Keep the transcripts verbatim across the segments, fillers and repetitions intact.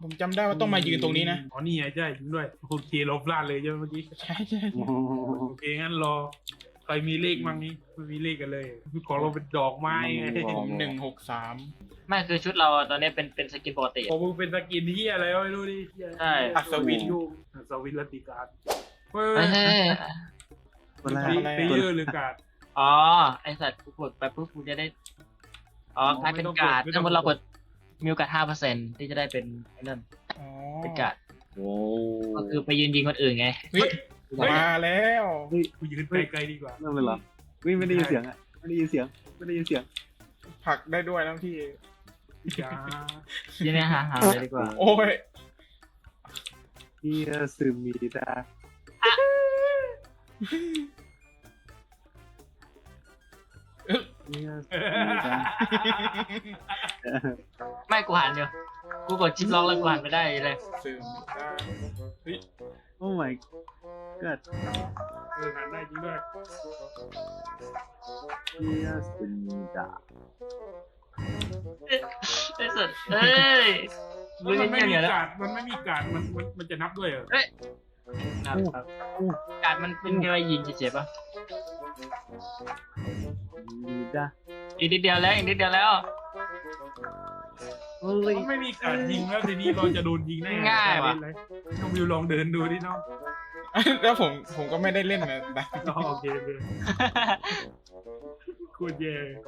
ผมจำได้ว่าต้องมายืนตรงนี้นะอ๋อนี่ไงใช่จริงด้วยโอเคเราพลาดเลยใช่ไหมเมื่อกี้ใช่ใช่โอเคงั้นรอใครมีเลขมั่งนี้ไม่มีเลขกันเลยของเราเป็นดอกไม้ไงผมหนึ่งหกสามไม่คือชุดเราตอนนี้เป็นเป็นสกินปกติของมึงเป็นสกินที่อะไรไม่รู้ดิใช่อัศวินยูอัศวินรัตติการเฮ้ไม่ยใช่คนแรกเพลเยอร์หรือการ์ดอ๋อไอสัตว์กูกดไปปุ๊บกูจะได้อ๋อกลายเป็นการ์ดถ้าเรากดมีโอกาสห้าเปอร์เซ็นต์ที่จะได้เป็นไอ้นั่นอ๋อเป็นการ์ดโอ้ก็คือไปยืนยิงคนอื่นไงเฮ้ยมาแล้วกูยืนไกลๆดีกว่าเริ่มเลยเหรอวิ่งไม่ได้ยินเสียงอ่ะไม่ได้ยินเสียงไม่ได้ยินเสียงผลักได้ด้วยนะพี่อย่ายืนเนี่ยหาหาเลยดีกว่าโอ้ยเฮียซึมีดาเฮียซึมีดาไม่กูหันเดียวกูกดชิปล็อกแล้วกูหันไม่ได้เลยซึมได้เฮ้ยโอ้ my god เออหันได้จริงด้วยเฮียซึมีดาไอสัตว์เอ้ยมันรู้ไม่ยังมีไงแล้วการ์ดมันไม่มีการ์ดมันมันมันจะนับด้วยเหรอครับครับการ์ดมันเป็นแค่ว่ายิงเฉยๆป่ะมีดาอีกนิดเดียวแล้วอีกนิดเดียวแล้วเฮ้ยมันไม่มีการยิงแล้วทีนี้เราจะโดนยิงได้ง่ายว่ะน้องวิวลองเดินดูดิน้องแล้วผมผมก็ไม่ได้เล่นนะแต่อ๋อโอเคโอเคโคตรแย่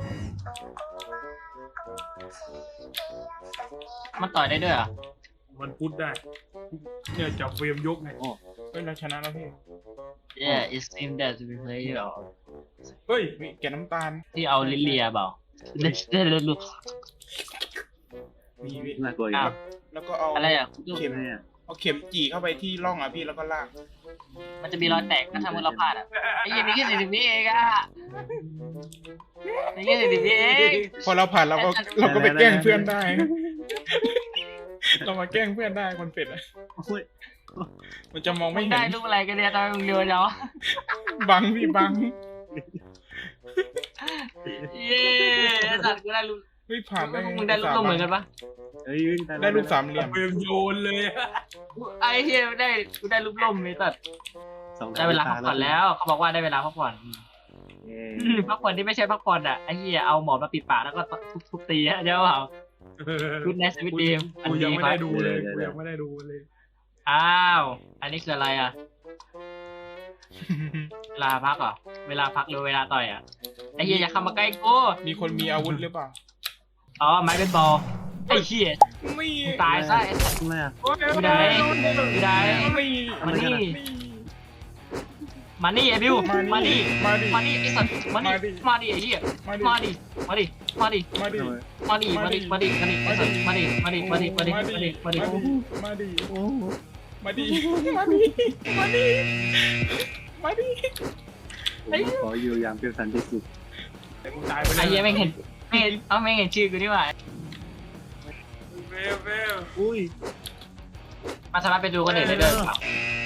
มันต่อยได้ด้วยเหรอ่ะมันพุทธได้เนี่ยจับเฟรมยกไงเฮ้ยเราชนะแล้วพี่ Yeah it seems that we play หรอเฮ้ยวิแกน้ำตาลที่เอาลิเลียเปล่าเล่นเล่นเล่นลูกมีวิน่ากลัวอีกอ้าวแล้วก็เอาอะไรอ่ะเข็มเนี่ยเอาเข็มจี่เข้าไปที่ร่องอ่ะพี่แล้วก็ลากมันจะมีรอยแตกนะถ้ามันเราพลาดอ่ะไอ้ยี่นี่แค่สี่สิบวิเองอ่ะนี่แค่สี่สิบวิเองพอเราผ่านเราก็เราก็ไปแกล้งเพื่อนได้ เรามาแกล้งเพื่อนได้คนเป็ดอะโอ้ยมันจะมองไม่มึงเห็ได้นรูปอะไรกันเนี่ยตอนมึงเร็วเนาะบังพี่บังเย้สัตว์กูได้รูปเฮ้ยผ่านได้มึงได้รูปเหมือนกันปะเฮ้ยวิ่งได้รูปสามเหลี่ยมเฟรมโยนเลยไอ้เฮียได้กูได้รูปล่มนี่สัตว์ได้เวลาพักผ่อนแล้วเขาบอกว่าได้เวลาพักผ่อนพักผ่อนที่ไม่ใช่พักผ่อนอ่ะไอ้เฮียเอาหมอนมาปิดปากแล้วก็ทุบๆตีฮะเจ้าเปล่า Good night sweet dream กูยังไม่ได้ดูเลยกูยังไม่ได้ดูเลยอ้าว อันนี้คืออะไรอ่ะ เวลาพักเหรอ เวลาพักหรือเวลาต่อยอ่ะ ไอ้เหี้ยอย่าเข้ามาใกล้กูมีคนมีอาวุธหรือเปล่าอ๋อ ไม้เป็นบอล ไอ้เหี้ยนี่ตายซะไอ้สัตว์ทำไมอ่ะอยู่ไหนอยู่ไหนนี่มานี่นี่มานี่ไอ้บิว มานี่มาดิมานี่ไอ้สัตว์มานี่ มาดิไอ้เหี้ยมาดิมาดิ มาดิ มาดิมาดิมาดิ มาดิ มาดิ มาดิไอ้สัตว์มาดิ มาดิ มาดิ มาดิ มาดิ มาดิมาดิโอ้มาดิ มาดิ มาดิ มาดิขออยู่อย่างเป็นสันติสุขแต่กูตายไปไอ้เหี้ยแม่งเห็นแม่งเห็นเอ้าแม่งเห็นชื่อกูนี่หว่าเฟลเฟลอุ้ยมันสามารถไปดูคนอื่นได้ด้วยหรือเปล่า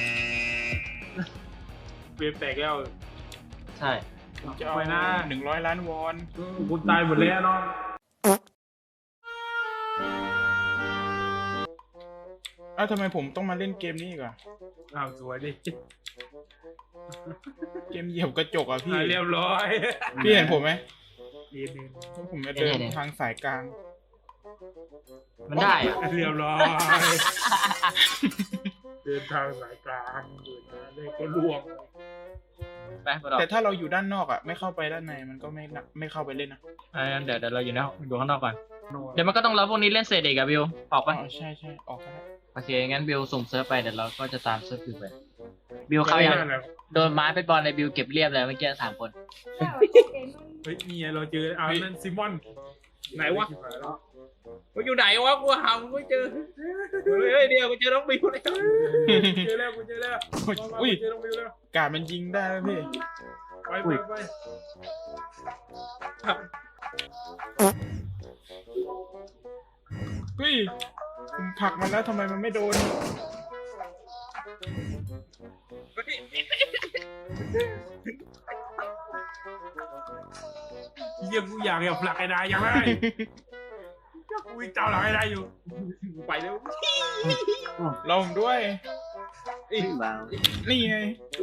เฟรมแตกแล้วใช่จะเอาไปนะหนึ่งร้อยล้านวอนกูตายหมดแล้วน้องอ้าวทำไมผมต้องมาเล่นเกมนี้อีกอะอ้าวสวยดิเกมเหยียบกระจกอะพี่เรียบร้อยพี่เห็นผมไหมดีดีผมจะเดินทางสายกลางมันได้อะเรียบร้อยเดินทางสายกลางเดินทางเลยก็ล่วงไปไปต่อแต่ถ้าเราอยู่ด้านนอกอะไม่เข้าไปด้านในมันก็ไม่น่ะไม่เข้าไปเล่นนะเออเดี๋ยวเดี๋ยวเราอยู่ในห้องอยู่ข้างนอกก่อน เดี๋ยวมันก็ต้องรอพวกนี้เล่นเสร็จอีกอะบิว ออกอ๋ปะอใช่ใช่ออกก็ได้โอเค งั้นบิวส่งเซิร์ฟไปเดี๋ยวเราก็จะตามเซิร์ฟบิวไป บิวเขายังโดนไม้ไปบอลในบิวเก็บเรียบเลยเมื่อกี้สามคนเฮ้ยนี่ไงเราเจอเอานั่นซิมอนไหนวะมึงอยู่ไหนวะกูหามึงไม่เจอ เฮ้ยเดี๋ยวกูเจอน้องบิวแล้วเจอแล้วกูเจอแล้วอุ้ยเจอน้องวิวแล้วการมันยิงได้แล้วพี่ไปไปไปเฮ้ยผมผลักมันแล้วทำไมมันไม่โดนเยี่ยมกูอยากอยากผลักไอ้นายยังไงอุ้ยเจ้าหลังให้ได้อยู่ไปแล้วรอผมด้วยอีกบ้างนี่ไง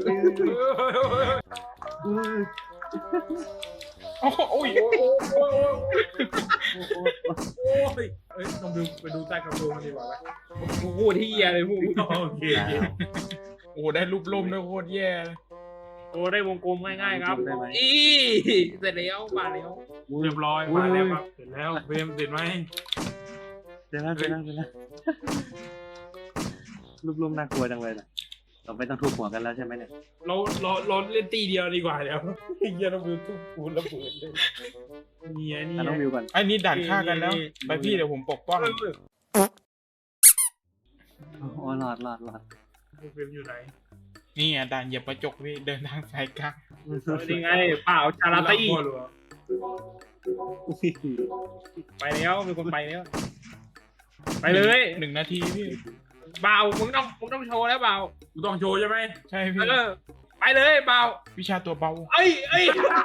อุ้ยโอ้โหโอ้ยโอ้โหโอ้โหโอ้ยเอ้ยลองดูไปดูใต้กระโปรงมันดีกว่าไหมโอ้โหที่เหี้ยเลยพวกโอเคโอเคโอ้โหได้รูปล่มด้วยโคตรแย่เลยโอ้ได้วงกลมง่ายๆครับอีเสร็จแล้วมาแล้วเรียบร้อยมาแล้วครับเสร็จแล้วเฟรมเสร็จไหมเดี๋ยวนะเดี๋ยวนะเดี๋ยวนะรูปๆน่ากลัวจังเลยนะเราไม่ต้องทุบหัวกันแล้วใช่ไหมเนี่ยเราเราเราเล่นตีเดียวดีกว่าเดี๋ยวไอ้เหี้ยเราดูทุกปูนระเบิดเลยนี่ไงนี่อ่ะน้องไงวิวก่อนไอ้นี่ด่านฆ่ากันแล้วไปพี่เดี๋ยวผมปกป้องอ๋อหลอดหลอดหลอดเฟรมอยู่ไหนนี่ไงด่านเหยียบกระจกพี่เดินทางสายกลางนี่ไงเปล่าชาลาตี้พ่อหลวงไปแล้วมีคนไปแล้วไปเลยหนึ่งนาทีพี่เบามึงต้องมึงต้องโชว์แล้วเบากูต้องโชว์ใช่ไหมใช่พี่เออไปเลยเบาวิชาตัวเบาเอ้ยเอ้ย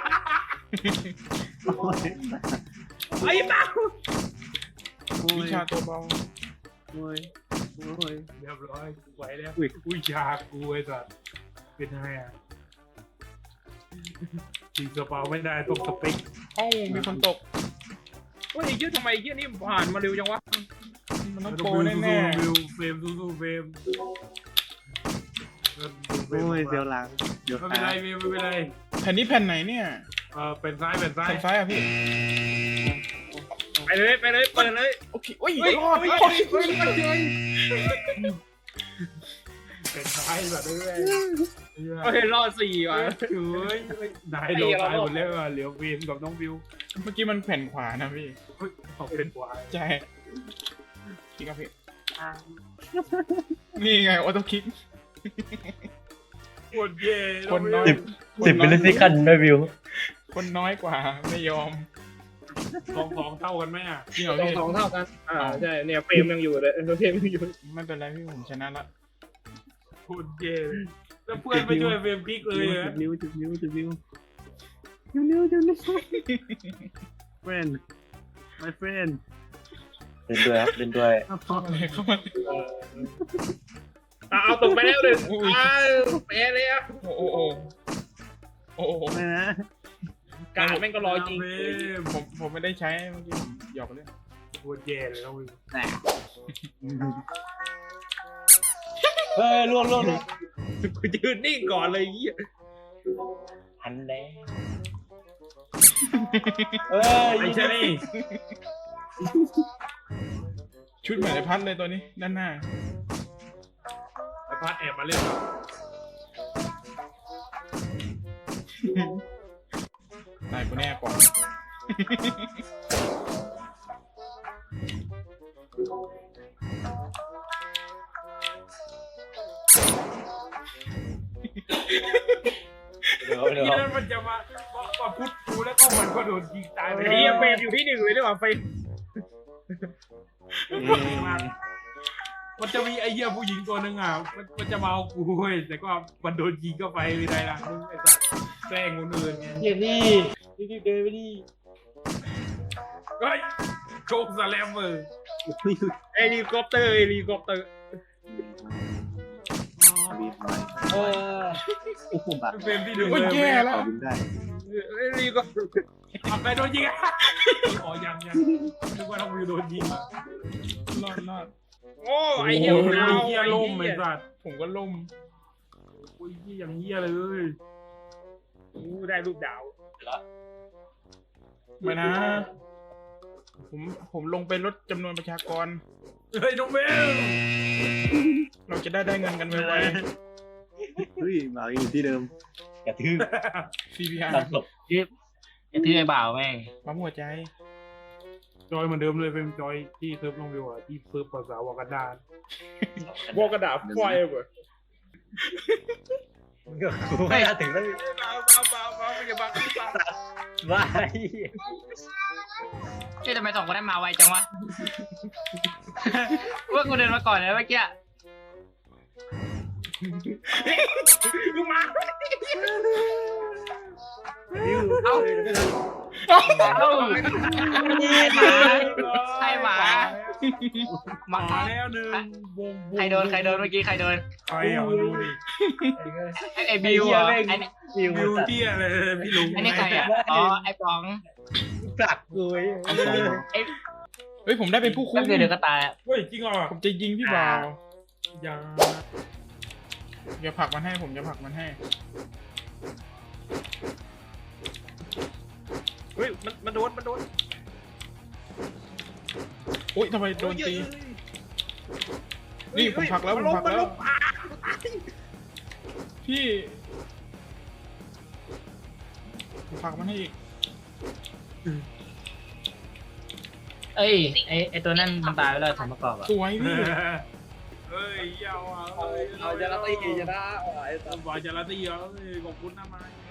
โอ้ยไอ้เบาโอ้วิยชาตัวเบาโอ้ยโอ้ยเรียบร้อยกูไหวแล้วอุ้ยอุ้ยชากูไอ้สัสเป็นไงอ่ะจริงกระเป๋าไม่ได้ต้องสเปคเอ้ามีคนตกเฮ้ยไอ้เหี้ยทำไมไอ้เหี้ยนี่ผ่านมาเร็วจังวะมันต้องโปรแน่ๆวิวเฟรมสู้ๆเฟรมโอ้ยเดี๋ยวหลังเดี๋ยวไม่เป็นขาไรวิวไม่เป็นไรแผ่นนี้แผ่นไหนเนี่ยเออเป็นซ้ายเป็นซ้ายแผ่นซ้ายอ่ะพี่ไปเลยไปเลยเปิดเลยโอเคโอ้ยเฮ้ยรอดเฮ้ยรอดเฮ้ยเฮ้ยเฮ้ยเป็นซ้ายแบบนี้เลยเฮ้ยรอดสี่ว่ะเฮ้ยนายโดนตายหมดแล้วอ่ะเหลือเฟรมกับน้องวิวเมื่อกี้มันแผ่นขวานะพี่เฮ้ยออกเป็นขวาใช่คลิกครับพี่นี่ไงออโต้คลิกโคตรเย่คนน้อยสิบมิลลิเซคันด้วยวิวคนน้อยกว่าไม่ยอมสองสองเท่ากันไหมอ่ะจริงเหรอสองพี่สองเท่ากัน อ่าใช่เนี่ยเฟรมยังอยู่เลยเฟรมยังอยู่ไม่เป็นไรพี่ผมชนะละโคตรเย่แล้วเพื่อนไม่ช่วยเฟรมคลิกเลยอ่ะจุดนิ้วจุดนิ้วจุดนิ้วจุดนิ้วจุดนิ้ว friend my friend เล่นด้วยครับเล่นด้วยอะไรเข้ามาอ่ะเอาตกไปแล้วหนึ่งอ้าวแพ้เลยอ่ะโอ้โอ้โอ้โอ้โอ้ไม่นะการแม่งก็รอจริงผมผมไม่ได้ใช้เมื่อกี้ผมหยอกเล่นโคตรแย่เลยนะวิวเฮ้ยล่วงล่วงล่วงกูยืนนิ่งก่อนเลยยี่อันแน่เฮ้ยไอ้ชะนี่ชุดเหมือนไอ้พัดเลยตัวนี้ด้านหน้าไอ้พัดแอบมาเล่นครับตายกูแน่ก่อนเดี๋ยวเดี๋ยวที่นั่นมันจะมามาพุดกูแล้วก็มันก็โดนยิงตายไปไอ้เหี้ยเฟรมอยู่ที่หนึ่งเลยด้วยว่ะเฟรมมันจะมีไอ้เหี้ยผู้หญิงตัวหนึ่งอ่ะมันมันจะมาเอากูเว้ยแต่ก็มันโดนยิงเข้าไปไม่ได้ละไอ้สัสแกล้งคนอื่นไงเดี๋ยวนี่นี่เดินไปดิเฮ้ยโชคสแลมเมอร์เฮลิคอปเตอร์เฮลิคอปเตอร์บินหน่อยเออโอ้โหบักเฟรมที่หนึ่งเลยแย่แล้วบินได้เฮลิคอปเตอร์เอาไปโดนยิงอ่ะอ๋อยังยังนึกว่าต้องมีโดนยิงอ่ะรอดรอดโอ้ไอ้โอ้เหี้ยโหดาวเหี้ยไอ้ล่มเหี้ไอ้ยสัสผมก็ล่มโอ้ยเหี้ยอย่างเหี้ยเลยกูได้รูปดาวไม่นะ ผมผมลงไปลดจำนวนประชากรเฮ้ยน้องเบลเราจะได้ได้เงินกันไวเฮ้ยหมาอยู่ที่เดิมกระทืบๆ ซี พี อาร์ตัดศพไอ้ที่ไอ้บ่าวแม่งปั๊มหัวใจ จอยเหมือนเดิมเลยเป็นจอยที่เซิร์ฟน้องเบลอ่ะที่เซิร์ฟภาษาวากันดานวอกกระดาษไฟเว้ยกูไม่น่าถึงแล้วเบาเบาเบาเบาไม่อย่าบังเบาว้ายเฮ้ยทำไมสองคนนั้นมาไวจังวะ ว่ากูเดินมาก่อนเลยเมื่อกี้ลูกมาวิวเอ้าเอ้าเอ้าใช่หมาหมามาแล้วหนึ่งวงใครโดนใครโดนเมื่อกี้ใครโดนใครอ่ะมาดูดิไอ้ไอ้บิวเหรอไอ้นี่วิววิวเที่ยอะไรพี่ลุงไอ้นี่ใครอ่ะอ๋อไอ้ป๋องปลักกูไอ้ไอ้เฮ้ยผมได้เป็นผู้คุแป๊มบเดียวเดี๋ยวก็ตายอะเฮ้ยจริงเหรอผมจะยิงพี่บ่าวอย่าอย่าผลักมันให้ผมจะผลักมันให้เฮ้ยมันมันโดนมันโดนโอ๊ยทำไมโดนตีนี่ผมผลักแล้วผมผลักแล้วพี่ผมผลักมันให้อีกเอ้ยไอ้ไอ้ตัวนั่นมันตายไปแล้วสมประกอบอ่ะสวยพี่เฮ้ยยาวอ่ะเอาจะรับตีกี่จะได้ไอ้บอยจะละตีเหรอขอบคุณนะมา